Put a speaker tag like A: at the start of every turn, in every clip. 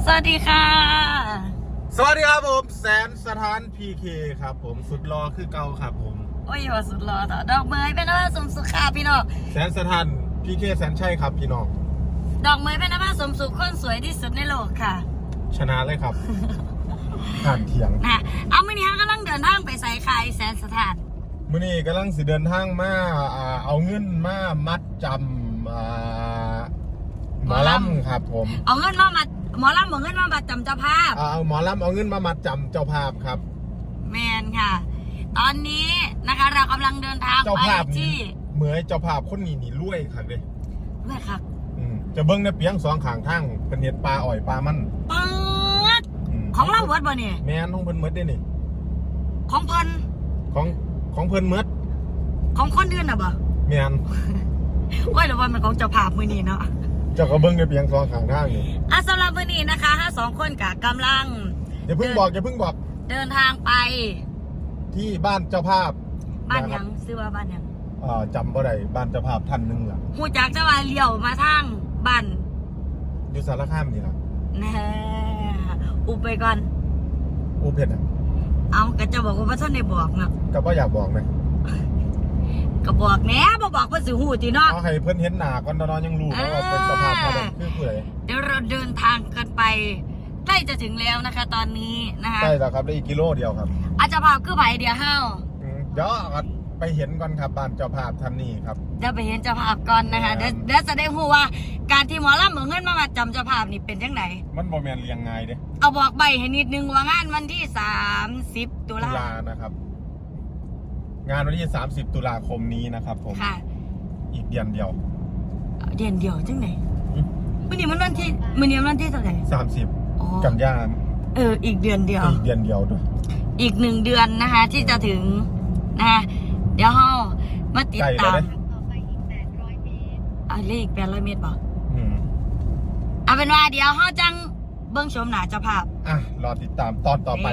A: สวัสดีค่ะ
B: สวัสดีครับผมแสนสถานพีเคครับผมสุดรอคือเก่าครับผม
A: โอ้ยว่าสุดหล่อต่อดอกไม้เป็นว่าสมสุขาพี่น้อง
B: แสนสถานพีเคแสนชัยครับพี่น้อง
A: ดอกไม้เป็นว่าสมสุขคนสวยที่สุดในโลกค่ะ
B: ชนะเลยครับ ผ่านเถียง
A: นะเอามื่อนี้กำลังเดินทางไปใส่ไข่แสนสถาน
B: มื่อนี้กำลังสิเดินทางมาเอาเงินมามัดจำหมอลำครับผม
A: เอาเงินมาหมอลำเอาเงินมาบัตรจำเจ้าภาพ
B: เอาหมอลำเอาเงินมามัดจำเจ้าภาพครับ
A: แมนค่ะตอนนี้นะคะเรากำลังเดินทางไปที่
B: เหมือนเจ้าภาพคนนี้นี่รวยครับเลย
A: รวยครับ
B: จะเบิ้งในเปียงสองข้างทางเป็นเห็ดปลาอ่อยปลามัน
A: เปิดของเราเบิดบ่เนี่ย
B: แม่นของเพิ่นเมิดได้นี่
A: ของเพิ่น
B: ของเพิ่นเมิด
A: ของคนอื่นน่ะบ่
B: แม่น
A: ว่าหรือว่ามันของเจ้าภาพมื้อนี้เนาะ
B: เจ้าก็เบิ้งในเปียงสองข้างทางนี่
A: สำหรับมื้อนี้นะคะ2คนกะกำลัง
B: อย่าเพิ่งบอก
A: เดินทางไป
B: ที่บ้านเจ้าภาพ
A: บ้านยังชื่อว่าบ้านยัง
B: จำบ่ได้บ้านเจ้าภาพท่านนึงล่ะ
A: ฮู้จักจะว่าเลี้ยวมาทางบ้าน
B: อยู่สารคามนี่ล่ะ
A: แน่อุบไปก่อน
B: อุบเฮ็ดอ่ะ
A: เอาก็จะบอกว่าบ่ทันได้บอกเนาะ
B: ก็บ่อยากบอกนะ
A: ก็บอกแหน่บ่บอกเพิ่นสิฮู้ติเนาะ
B: เอาให้เพิ่นเห็นหน้าก่อนตอนยังรู้ว่าเป็นเจ้าภาพเท่าใดคือผู้ใด
A: เดี๋ยวเราเดินทางกันไปใกล้จะถึงแล้วนะคะตอนนี้นะคะ
B: ใกล้แล้วครับได้อีกกิโลเดียวครับ
A: เจ้าภาพคือไผเดียวเฮา
B: เดี๋ยวไปเห็นก่อนครับบ้านเจ้าภาพท่านนี้ครับ
A: เดี๋ยวไปเห็นเจ้าภาพก่อนนะคะเดี๋ยวจะได้รู้ว่าการที่หมอลำเอาเงินมาจำเจ้าภาพนี่เป็นจังได
B: มันบ่แม่นเรียงง่ายเด้
A: เอาบอกใบให้นิดนึงว่างานวันที่30ตุลา
B: นะครับงานวันที่30ตุลาคมนี้นะครับผม
A: ค่ะ
B: อีกเดือนเดียว
A: จังไหนมื้อนี้มันวันที่เท่าไหร่
B: 30กันยายน
A: อีกเดือนเดียว
B: ด้วย
A: อีก1 เดือนนะคะที่จะถึงนะคะเดี๋ยวเฮามาติดตามต่อไปอีก800 เมตรเลข800 เมตรบ่เอาเป็นว่าเดี๋ยวเฮาจังเบิ่งชมหน้าเจ้าภาพ
B: รอติดตามตอนต่อไป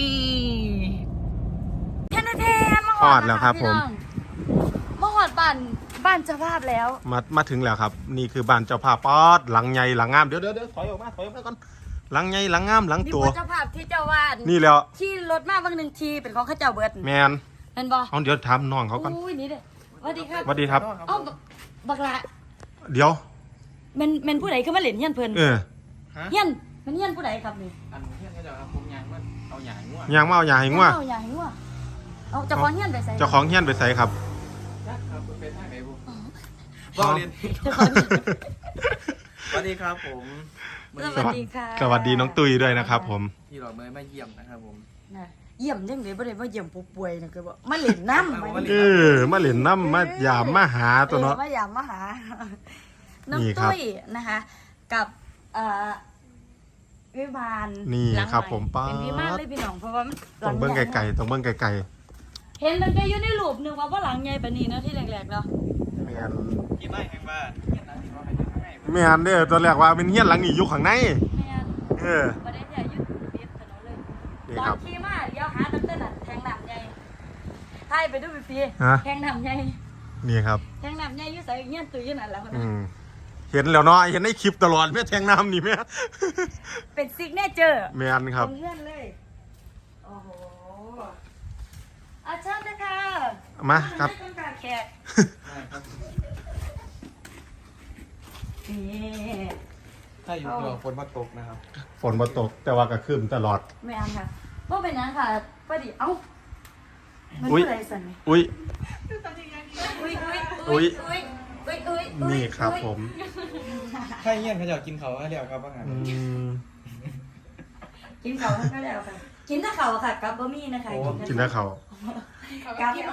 A: แค่นั้นเอง
B: ฮอดแล้วครับผม
A: มาฮอดบ้านเจ้าภาพแล้ว
B: มาถึงแล้วครับนี่คือบ้านเจ้าภาพป๊อดหลังใหญ่หลังงามเดี๋ยวถอยออกมาก่อนหลังใหญ่หลังงามหลังตัว
A: เจ้าภาพที่เจ้าวาด
B: นี่แล้ว
A: ที่รถมาบางหนึ่งทีเป็นของข้าเจ้าเบิด
B: แมน
A: เห็นบ่
B: เดี๋ยวถามน้องเขาก่อน
A: อุ้ยนี่เด้สวัสดีครับ
B: สวัสดีครับ
A: บักละ
B: เดี๋ยว
A: มันผู้ใดคือมาเล่นเฮียนเพิ่นเฮียนมันเฮียนผู้ใดครับนี่
C: อันเฮียนเขาจะเอาผมยางมาเอาหยางงัว
B: เอาหยางงัว
A: เอาเจ้าของเฮียนไปใส่
B: เจ้าของเฮียนไปใส่ครับ
C: ครับเป็นท่าไหนบุบอเรียนสวัสดีครับผม
A: สวัสดีค่ะ
B: สวัสดีน้องตุ้ยด้วยนะครับผม
C: พี่หล่อเมย์มาเยี่ยมนะครับผม
A: เยี่ยมยังไงบ่ได้มาเยี่ยมผู้ป่วยนะคือว่ามาเล่นน้ำ
B: มาเล่นน้ำมายามมาหาตัวเนาะ
A: มายามมาหาน้องตุ้ยนะคะกับวิมาน
B: นี่ครับผมป้า
A: เป็นวิมานเลยพี่น้องเพราะว่า
B: ต้องเบิ้งไก่ต้องเบิ้งไก่
A: เห็นมันก็อยู่ในรูปหนึ่งว่าหลังใหญ่ปานนี้นะที่แรกๆเนาะ
B: แม่น
C: ที่ไม่แห่งบ้าน
B: แม่นเด้อตอนแรกว่าเป็นเฮียนหลังนี้อยู่ข้างใน
A: แม่นประเด็นใหญ่อยู่ติดถนนเลยตอนขี่มาเดี๋ยวหาตั้งแต่แทงน้ำใหญ่ให้ไปดูฟรีแทงน้ำใหญ่
B: นี่ครับ
A: แทงน้ำใหญ่อยู่ใส่เงี้ยตุยอยู่นั่นแหละ
B: เห็นแล้วเนาะเห็นในคลิปตลอดแม่แทงน้ำนี่แม่
A: เป็นซิกเนเจอร์
B: แม่นครับ
A: เงื่อนเลยโอ้โหอาจารย์นะคะ
B: มาครับ
A: แขก
C: ถ้าอยู่ตัวฝนมาตกนะครับ
B: ฝนมาตกแต่ว่าก็คืมตลอด
A: ไม่อันค่ะเพราะเป็นนั้นค่ะประดิมันอะไรสั่น
B: อุ้ยนี่ครับผม
C: ถ้าเงี้ยเขาจะกินเขาให้เดียวครับว่าไง
A: กินเขาก็แล้วค่ะกินถ้าเขาค่ะกับบะหมี่นะคะ
B: กินถ้าเขา
A: กับกิน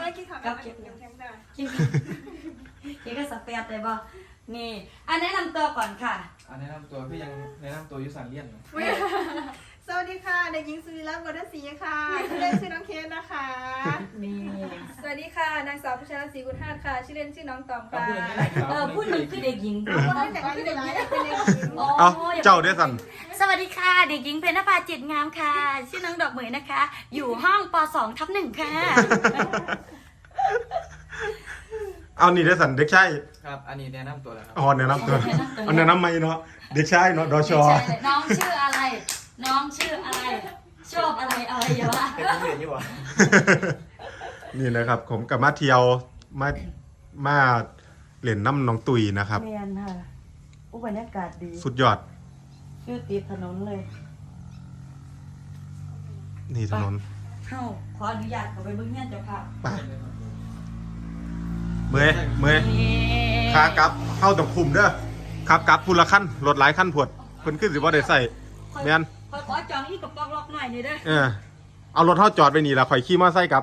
A: ก็สเปรย์เลยบ่นี่แนะนำตัวก่อนค่ะ
C: แนะนำตัวพี่ยังแนะนำตัวยุสันเลียน
D: สวัสดีค่ะเด็กหญิงสุริรัตน์วรรณศรีค่ะชื่อเล่นชื่อน้องเคสนะคะ
A: นี่
D: สวัสดีค่ะนางสาวพิชาศรีกุลธาตุค่ะชื่อเล่นชื่อน้องตอมค่ะ
A: พูดหนึ่งคือเด็กหญิง
D: คือเด็กหญิง
B: เจ้าเดซัน
A: สวัสดีค่ะเด็กหญิงเพญนภาจิตงามค่ะชื่อน้องดอกเหมยนะคะอยู่ห้องป .2/1 ค่ะ
B: เอานี่เดซันเด็กชาย
C: ครับอันนี้แนะนำตัวแล้วครับ
B: แนะนำตัวแนะนำไม่เนาะเด็กชายเนาะดช
A: น้องชื่ออะไร
B: นี่นะครับผมกับมาเที่ยวมาเล่นน้ำน้องตุยนะครับ
A: เมียนค่ะอุบรรยากาศดี
B: สุดยอด
A: อยู่ติดถนนเลย
B: นี่ถนน
A: เข้าขออนุญาตเข้าไปเบิ่งเงี้ยเจ้าค่ะ
B: ไปเมื่อยขากลับเข้าต้องคุมเด้อครับกลับพูละขั้นรถหลายขั้นผวดเพิ่นขึ้นสิบ่ได้ใส่แม่น
A: ขอจองอีกกระป๋องล็อกหน่อยนี่เด้อ
B: เอารถเฮาจอดไว้นี่ล่ะข่อยขี่มอไซค์กลับ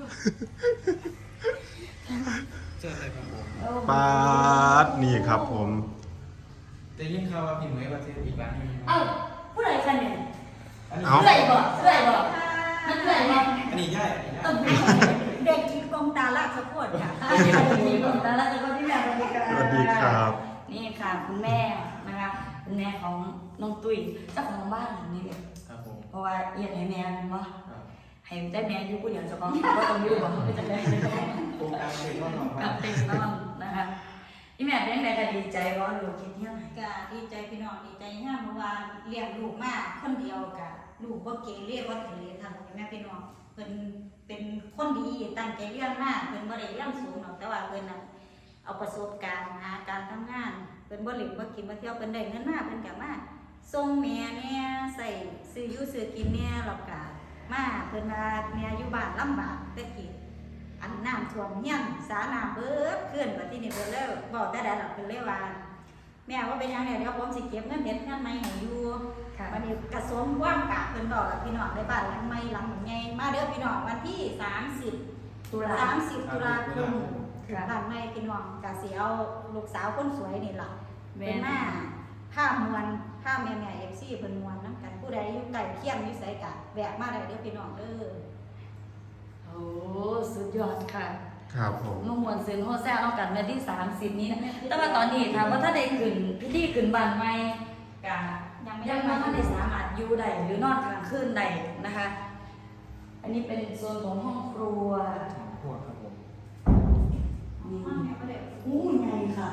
C: เจออะไรครับผม
B: ปาดนี่ครับผม
C: จะยิ่งข่าวว่าพี่เหมยประเทศอีกร้านหนึง
A: เอ้าผู้ใดกันเนี่ย
C: อันนี้
B: เอา
A: เลื่อยบ่เลื่อยบ่มันเลื่อยบ่
C: อันนี้ย่าย
D: เด็กกินกองตาลาดสะโพดค่ะ
A: อันนี้เป็นทีมแต่ละคนที่แม่สวัสดีค่ะ
B: สวัสดีครับ
A: นี่ค่ะคุณแม่นะคะคุณแม่ของน้องตุ้ยเจ้าของบ้านหลังนี้เลย
C: ครับผม
A: เพราะว่าเอียดให้แม่มันว่า
C: ครับ
A: ให้ได้แม่อยู่ผู้เดียวเจ้าของก็ต้องอยู่บ่ไม่จะได้ไม่ได้
C: โครงการเป็นข้อหนอง
A: กับเต็มนอนนะคะนี่แม่เป็นไงก็ดีใจว่าลูกคิดเที่ยวไหน
D: ก็ดีใจพี่น้องดีใจย่าเมื่อวานเลี้ยงลูกมากคนเดียวกะลูกบ่เกเรบ่เกเรทำแม่พี่น้องเพิ่นเป็นคนดีตั้งใจเรียนมากเพิ่นบ่ได้เรียนสูงหรอกแต่ว่าเพิ่นน่ะเอาประสบการณ์หาการทำงานเพิ่นบ่หลิบบ่กินบ่เที่ยวเพิ่นได้เงินมาเพิ่นก็มาส่งแม่แน่ใส่ซื้ออยู่ซื้อกินแน่แล้วก็มาเพิ่นว่าแม่อยู่บ้านลำบากแต่กี้อันน้ำท่วมเฮียนสาน้ำเบิดขึ้นว่าที่นี่เพิ่นเลยบอกแต่ใดหรอกเพิ่นเลยว่าแม่ว่าเป็นยังไงเดี๋ยวผมสิเก็บเงินเด็ดเงินใหม่ให้อยู่
A: ค่ะ
D: วันนี้กระทรวงว่างกะเพิ่นบอกกับพี่น้องในบ้านหลังใหม่หลังใหญ่มาเด้อพี่น้องวันที่30
A: ตุลา
D: ตุลาคม
A: ค่ะ
D: บ้านใหม่พี่น้องกะสิเอาลูกสาวคนสวยนี่ล่ะ
A: แม่
D: เป็นมาผ้ามวนผ้าแม่ๆ FC เพิ่นมวนนำกันผู้ใดอยู่ใกล้เคียงอยู่ไสกะแวะมาได้เด้อพี่น้องเด้อ
A: โอ้สุดยอดค่ะ
B: ครับผม
A: เมื่อมวนเซนโฮแซ่เอากันวันที่30นี้นะแต่ว่าตอนนี้ถามว่าถ้าได้ขึ้นพิธีขึ้นบ้านใหม่กะยังไม่ได้สามารถอยู่ได้หรือนอนกลางคืนได้นะคะ อันนี้เป็นโซนของห้องครัว
C: พวกครับผม
A: นี่อู้ใหญ่ค่ะ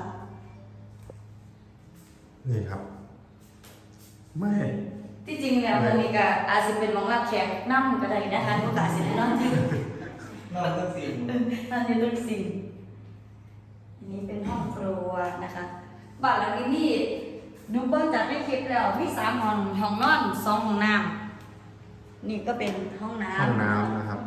B: นี่ครับ ไม่
A: ที่จริงแล้วตอนนี้ก็อาจจะเป็นหมองรับแขกนั่งก็ได้นะคะโอกาสสิได้นอนที่
C: นอนตั้งสี่
A: นั่นเป็นเรื่องสิ่งอันนี้เป็นห้องครัวนะคะบ้านหลังนี้นี่หนูเบิ้งจากในคลิปแล้วมี3 ห้องนอน2 ห้องน้ำนี่ก็เป็นห้องน้ำ
B: ห้องน้ำนะครับ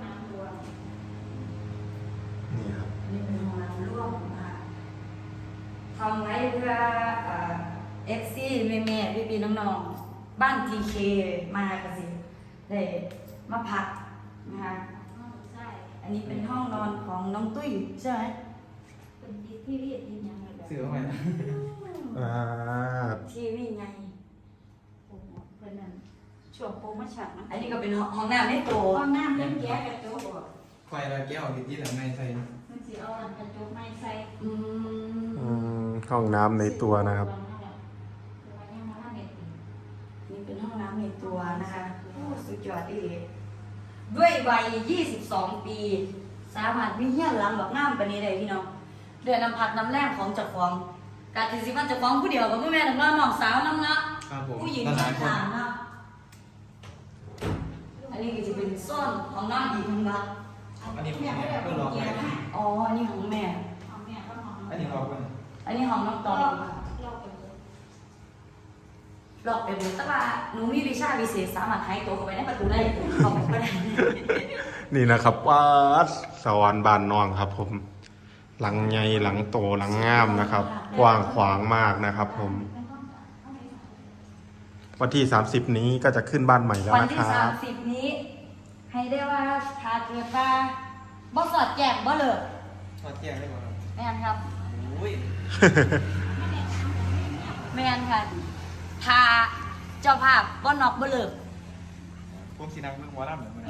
B: นี่ครับ
A: นี่เป็นห้องน้ำร่วมนะคะทำไว้เพื่อFC แม่ๆพี่ๆน้องๆบ้าน TK มากันสิได้มาพักนะคะ
D: ใช่
A: อันนี้เป็นห้องนอนของน้องตุ้ยใช่ไหม
D: เป็นที่เรียกที่ยังไงแบบ
C: ซื้อเข้าไปนะ
A: ทีวีไง
D: เพิ่นนั่นช่วงโปรโมชั่นนะ
A: อันนี้ก็เป็นห้องน้ำในโต
D: ห้องน้ำเล่นแก้กระจก
C: ไฟละแก้วที่หลังในใส่
D: มันสิเอาอันกระจกไม้ใส่
A: อืม
B: ห้องน้ำในตัวนะครับ
A: นี่เป็นห้องน้ำในตัวนะคะโอ้สุดยอดดีด้วยวัย 22 ปี สามารถมีเฮี้ยนหลังแบบงามปานนี้ได้พี่น้องเดือนน้ำพักน้ำแรงของเจ้าของการที่สิมันเจ้าของผู้เดียวกับผู้แม่น้องน้องสาวน้ำเนาะ
C: ครับผม
A: ผู้หญิง
C: ห
A: ข้า
C: ลายคน
A: งๆเนาะอันนี้ก็จะเป็นส้นของน้องอีกทั้งบ้าน
C: อันนี้ผมเนี่ยเพื่อรอไป
A: อ๋อ อันนี้ของแม่
D: ของแม่ก็ของ
C: อันนี้รอไป
A: อันนี้ของน้องตอง
D: เราไปเลย
A: หลอกไปหมดแต่ว่าหนูมีวิชาวิเศษสามารถหายตัวเข้าไปในประตูได้เข้าไปก็ได้
B: นี่นะครับวัดสวรรค์บานนองครับ ผม หลังใหญ่หลังโตหลังงามนะครับ กว้างขวางมากนะครับ ผม วันที่ 30 นี้ก็จะขึ้นบ้านใหม่แล้ว
A: วัน
B: นะค
A: ที่
B: รับ
A: 30 นี้ ให้ได้ว่าถ้าเกิดว่าบ่สอดแจกบ่เลิก
C: ทอดแก้วได้ก่อนครับ
A: แม่นครับ
C: โอ้ย
A: แม่นค่ะถ้าเจ้าภาพบ่นอกบ่เลิก
C: ผมสีนักเมื่อวานเหมือนกัน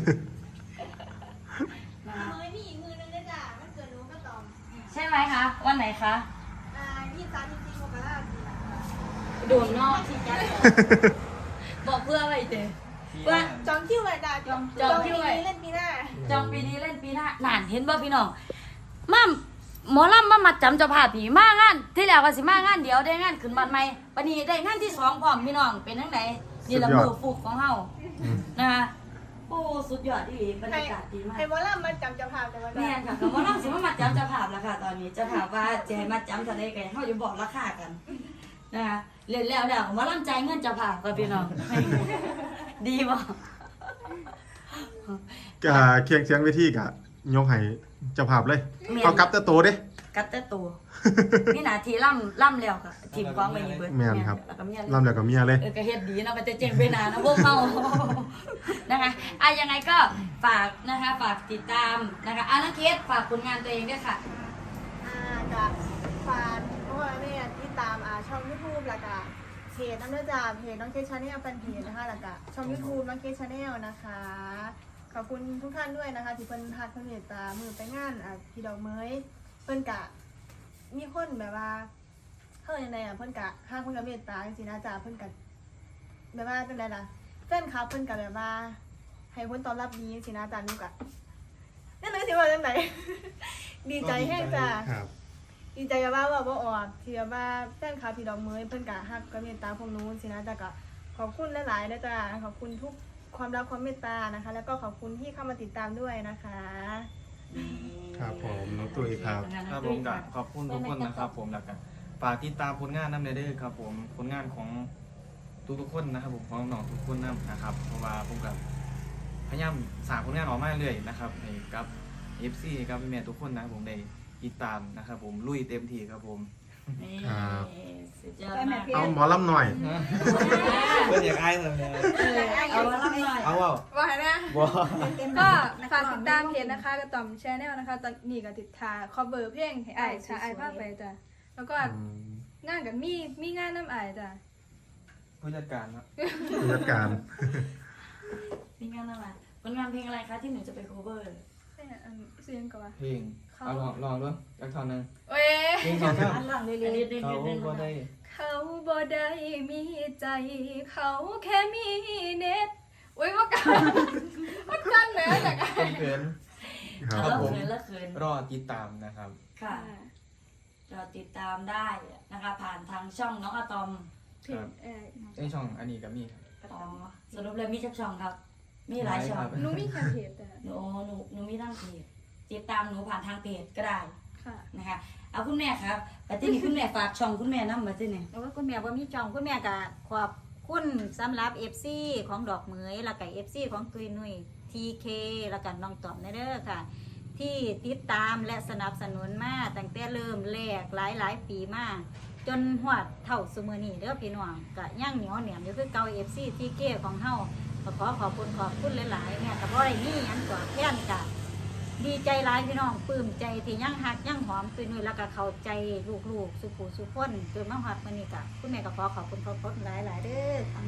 E: มือนี่อีกมือนึงก็จ้ะมันเกิดรู้ก็ตอม
A: ใช่ไหมคะ วันไหนคะ
E: 23 จริงๆโมกราสิ
A: โดนนอกที่จัดบอกเพื่ออะไรเจ๊ ว่า
E: จองคิวเลยจ้ะจองคิวเล่นปีหน้า
A: จองปีนี้เล่นปีหน้าหนานเห็นบ่พี่น้องมาหมอลำมามัดจำเจ้าภาพผีมางาน ที่แล้วก็สิมางานเดียวได้งานขึ้นบ้านใหม่วันนี้ได้งานที่2พร้อมพี่น้องเป็นจังไดนี่ละ
B: สุดยอด
A: มือฟุกของเฮานะคะโอ้สุดยอดดีบรรยากาศดีมาก
E: ให้หมอลำมาจำเจ้าภาพแต่ว่า
A: แม่นค่ะก็มาลองสิมาจำจะภาพแล้วค่ะ ตอนนี้จะถามว่าจะให้มาจำทะเลกันเขาจะบอกราคากันนะคะเล่นแล้วเมาล่ำใจเงินจะภาพกับพี่น้อง ดีบ่
B: กะเคียงเสียงเวทีกะยกให้เจ้าภาพเลยเอากลับแต่โตเด้
A: กัดแต่ตัวนี่หนาทีล่ำแล้วค่ะทีมกองไปอีกเบิด
B: แม่นครับ
A: แล้วก็เมียเลย
B: ลำแล้วก็เมียเลย
A: ก็เฮ็ดดีเนาะมันจะเจ๋งไปนานนะพวกเขา นะคะยังไงก็ฝากนะคะฝากติดตามนะคะน้องเคสฝากผลงานตัวเองด้วยค่ะ
E: กับฝากเพราะว่าแม่ที่ตามช่องยูทูบแล้วก็เพจน้ำเนื้อจ่าเพจน้องเคชชาแนลแฟนเพจนะคะแล้วก็ช่องยูทูบน้องเคชชาแนลนะคะขอบคุณทุกท่านด้วยนะคะที่เพิ่นทักเพิ่นเมตตามือไปงานพี่ดอกเมยเพิ่นกะมีคนแบบว่าเฮ้ยยังไงเพิ่นกะข้างเพิ่นกะเมตตาจริงๆนะจ่าเพิ่นกะแบบว่าเป็นไรล่ะแฟนคลับเพิ่นกะแบบว่าให้คนตอบรับดีจริงๆนะจ่านุกะนั่นเลยสิว่าจังไหน ดีใจแห้งจ้า
B: ครับ
E: ดีใจกับว่าบ่ออกที่ว่าแฟนคลับพี่ดอกเมยเพิ่นกะฮักกะเมตตาพวกนู้นสินะแต่ก็ขอบคุณหลายๆนะจ้าขอบคุณทุกความรักความเมตตานะคะ แล้วก็ขอบคุณที่เข้ามาติดตามด้วยนะคะ
B: ครับผมน้องตุ้ยครับ
C: ครับผมกับขอบคุณทุกคนนะครับผมแล้วกันฝากติดตามผลงานน้ำเด้อครับผมผลงานของทุกๆคนนะครับผมของน้องทุกคนนะครับเพราะว่าผมกับพยายามสร้างผลงานออกมาเรื่อยนะครับให้กับ FC กับแม่ทุกคนนะครับผมได้ติดตามนะครับผมลุยเต็มที่ครับผม
A: นี่
B: ครับ
A: สุดยอดมาก
B: เอาหมอลำหน่อย
C: เพื่อนอยากไอ้เลยเนี่ย
A: เอามาล่ำหน่อย
C: เอาเปล่า
F: ว่าไงนะ
C: บ่
F: ก็ฝากติดตามเพจนะคะกระต่อมแชนแนลนะคะ ตอนนี้ก็ติดทาคอเวอร์เพลงให้อ้ายชาอ้ายภาพไปจ้ะแล้วก็งานกับมีงานน้ำอ้ายจ้ะ
C: ผู้จัดการครับ
B: ผู้จัดการ
A: มีงานอะไรผลงานเพลงอะไรคะที่หนูจะไป cover
F: เนี่ยเสียงก่อน
C: เพลงเอาลองด้วยจักท่อนหนึง
F: เว้ย
C: เพลงสองท่อน
A: อันหลังเรื่อยๆ
C: เขาบ่ได้
F: เขาบ่ได้มีใจ เขาแค่มีเน็ตอุ้ยว่ากันว่ากันแหมจากอ้าย
C: เกิน
B: ค
A: แล้
B: รับ
A: ว
B: ผม
A: เขินแล้วเขิน
C: รอติดตามนะครับ
A: ค่ะเราติดตามได้นะคะ ผ่านทางช่องน้องอะตอม
F: เพจ
C: ในช่องอันนี้ก็มีครับ
A: อ๋อสรุปเลยมีจักช่องครับ มีหลายช่อง
C: หลายครับ
F: หนูมีแค่เพจแต่
A: หนูมีทั้งเพจติดตามหนูผ่านทางเพจก็ได้
F: ค่ะ
A: นะคะเอาคุณแม่ครับแต่ที่นี่คุณแม่ฝากช่องคุณแม่นำมาที่นี่
D: แล้วก็คุณแม่ว่ามีจองคุณแม่ก็ขอบคุณสำหรับ FC ของดอกเหมยแล้วก็ FC ของตุยนุย TK แล้วก็น้องตอมเด้อค่ะ ที่ติดตามและสนับสนุนมาตั้งแต่เริ่มแรกหลายปีมาจนหวดเท่าซุมื้อนี้เด้อพี่น้องก็ยังเหนียวแหนมอยู่คือเก่า FC TK ของเฮาก็ขอบคุณหลายๆแม่ก็บ่ได้มีหยังตอบแทนกัน ดีใจหลายพี่น้องปลื้มใจที่ยังหักยังหอมคือนุ่ยแล้วก็เข้าใจลูกๆสุขูสุขคนจนมาฮอดมื้อนี้ก็คุณแม่ก็ขอบคุณหลายๆเด้อค่ะ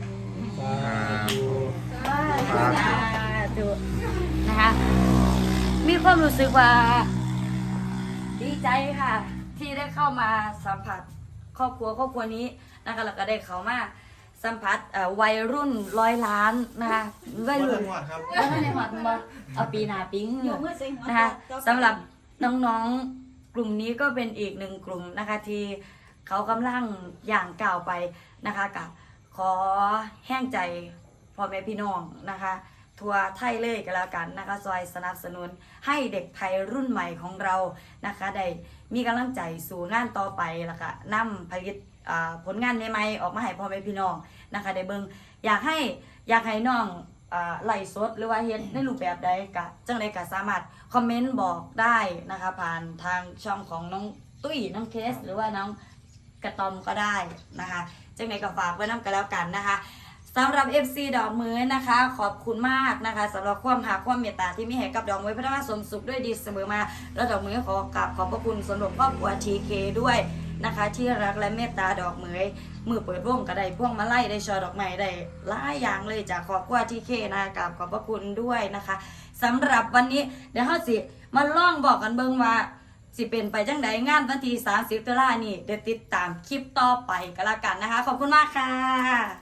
D: ดูนะคะมีความรู้สึกว่า ดีใจค่ะ ที่ได้เข้ามาสัมผัสครอบครัวนี้นะคะแล้วก็ได้เข้ามาสัมผัสวัยรุ่น100 ล้านนะคะวัยรุ่น
C: ครับ
A: แล้วในหอดมาเอาปีหน้าปีเหงือกนะคะสำหรับน้องๆกลุ่มนี้ก็เป็นอีกหนึ่งกลุ่มนะคะที่เขากำลังอย่างก้าวไปนะคะกับขอแห้งใจพ่อแม่พี่น้องนะคะทัวไทยเลยก็แล้วกันนะคะซอยสนับสนุนให้เด็กไทยรุ่นใหม่ของเรานะคะได้มีกำลังใจสู่งานต่อไปแล้วก็นำผลิตผลงานใหม่ๆออกมาให้พ่อแม่พี่น้องนะคะได้เบิ่งอยากให้น้องไลฟ์สดหรือว่าเฮ็ดในรูปแบบใดก็จังไดก็สามารถคอมเมนต์บอกได้นะคะผ่านทางช่องของน้องตุ้ยน้องเคสหรือว่าน้องกระตอมก็ได้นะคะจังไดก็ฝากไว้นำกันแล้วกันนะคะสำหรับ FC ดอกมือนะคะขอบคุณมากนะคะสำหรับความหักความเมตตาที่มีให้กับดอกมือพัฒนาสมสุขด้วยดีเสมอมาแล้วดอกมือขอกราบขอบพระคุณสำหรับครอบครัว TK ด้วยนะคะที่รักและเมตตาดอกมือเปิดวงก็ได้พวงมาลัยได้ช่อดอกไม้ได้หลายอย่างเลยจากครอบครัว TK นะกราบขอบพระคุณด้วยนะคะสำหรับวันนี้เดี๋ยวเฮาสิมาลองบอกกันเบิ่งว่าสิเป็นไปจังใดงานวันที่30 ตุลาคมนี้เดี๋ยวติดตามคลิปต่อไปก็แล้วกันนะคะขอบคุณมากค่ะ